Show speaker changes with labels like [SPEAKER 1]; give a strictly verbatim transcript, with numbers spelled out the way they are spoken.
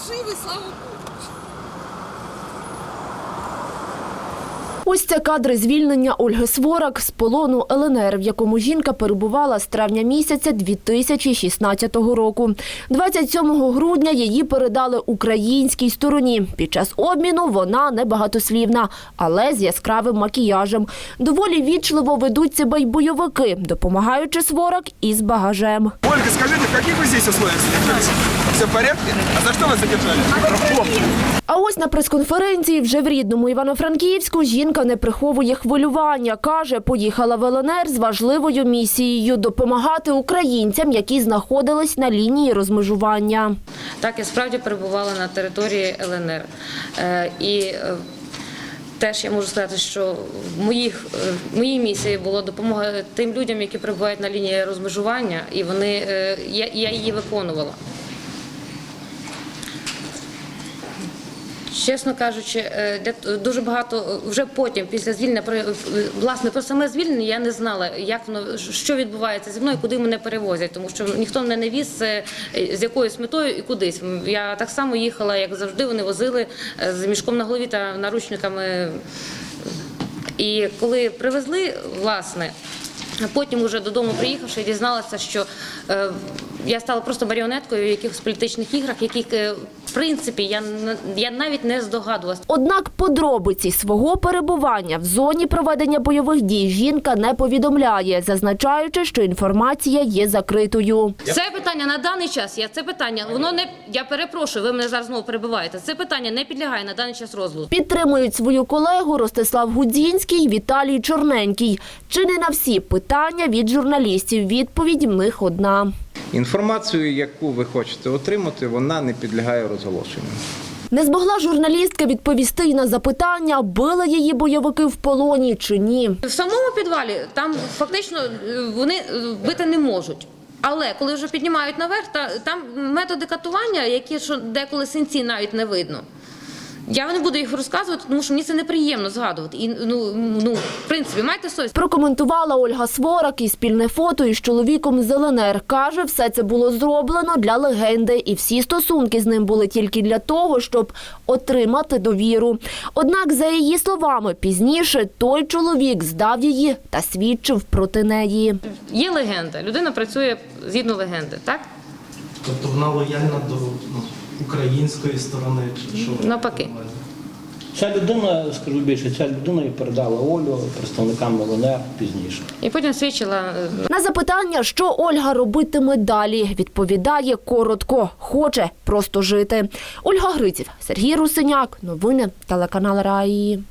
[SPEAKER 1] живы, слава Богу.
[SPEAKER 2] Ось це кадри звільнення Ольги Сворак з полону Л Н Р, в якому жінка перебувала з травня місяця дві тисячі шістнадцятого року. двадцять сьомого грудня її передали українській стороні. Під час обміну вона небагатослівна, але з яскравим макіяжем. Доволі вічливо ведуть себе й бойовики, допомагаючи Сворак із багажем.
[SPEAKER 3] Ольга, скажите, в каких вы здесь условиях содержались? Все в порядке? А за что вас задержали?
[SPEAKER 2] А ось на прес-конференції вже в рідному Івано-Франківську жінка не приховує хвилювання. Каже, поїхала в Л Н Р з важливою місією – допомагати українцям, які знаходились на лінії розмежування.
[SPEAKER 4] Так, я справді перебувала на території Л Н Р. Е, і е, теж я можу сказати, що в моїх, е, моїй місії було допомога тим людям, які перебувають на лінії розмежування, і вони, е, я, я її виконувала. Чесно кажучи, для, дуже багато, вже потім, після звільнення, власне, про саме звільнення я не знала, як воно, що відбувається зі мною, куди мене перевозять, тому що ніхто мене не віз з якоюсь метою і кудись. Я так само їхала, як завжди, вони возили з мішком на голові та наручниками. І коли привезли, власне, потім уже додому приїхавши, дізналася, що е, я стала просто маріонеткою в якихось політичних іграх, яких, е, в принципі, я, я навіть не здогадувалася.
[SPEAKER 2] Однак подробиці свого перебування в зоні проведення бойових дій жінка не повідомляє, зазначаючи, що інформація є закритою.
[SPEAKER 4] Це питання на даний час, я це питання, воно не, я перепрошую, ви мене зараз знову перебиваєте, це питання не підлягає на даний час розгляду.
[SPEAKER 2] Підтримують свою колегу Ростислав Гудзінський і Віталій Чорненький. Чи не на всі питання від журналістів відповідь в них одна.
[SPEAKER 5] Інформацію, яку ви хочете отримати, вона не підлягає розголошенню.
[SPEAKER 2] Не змогла журналістка відповісти й на запитання, били її бойовики в полоні чи ні.
[SPEAKER 4] В самому підвалі там фактично вони бити не можуть. Але коли вже піднімають наверх, там методи катування, які що деколи синці навіть не видно. Я не буду їх розказувати, тому що мені це неприємно згадувати. І, ну, ну, в принципі, майте совість.
[SPEAKER 2] Прокоментувала Ольга Сворак і спільне фото із чоловіком з Л Н Р. Каже, все це було зроблено для легенди, і всі стосунки з ним були тільки для того, щоб отримати довіру. Однак, за її словами, пізніше той чоловік здав її та свідчив проти неї.
[SPEAKER 4] Є легенда, людина працює згідно легенди, так?
[SPEAKER 6] Тобто вона лояльна до ну, української сторони? Чи що?
[SPEAKER 4] Навпаки.
[SPEAKER 7] Ця людина, скажу більше, ця людина і передала Олю представникам Л Н Р пізніше.
[SPEAKER 4] І потім свідчила.
[SPEAKER 2] На запитання, що Ольга робитиме далі, відповідає коротко – хоче просто жити. Ольга Гриців, Сергій Русиняк. Новини телеканал Раї.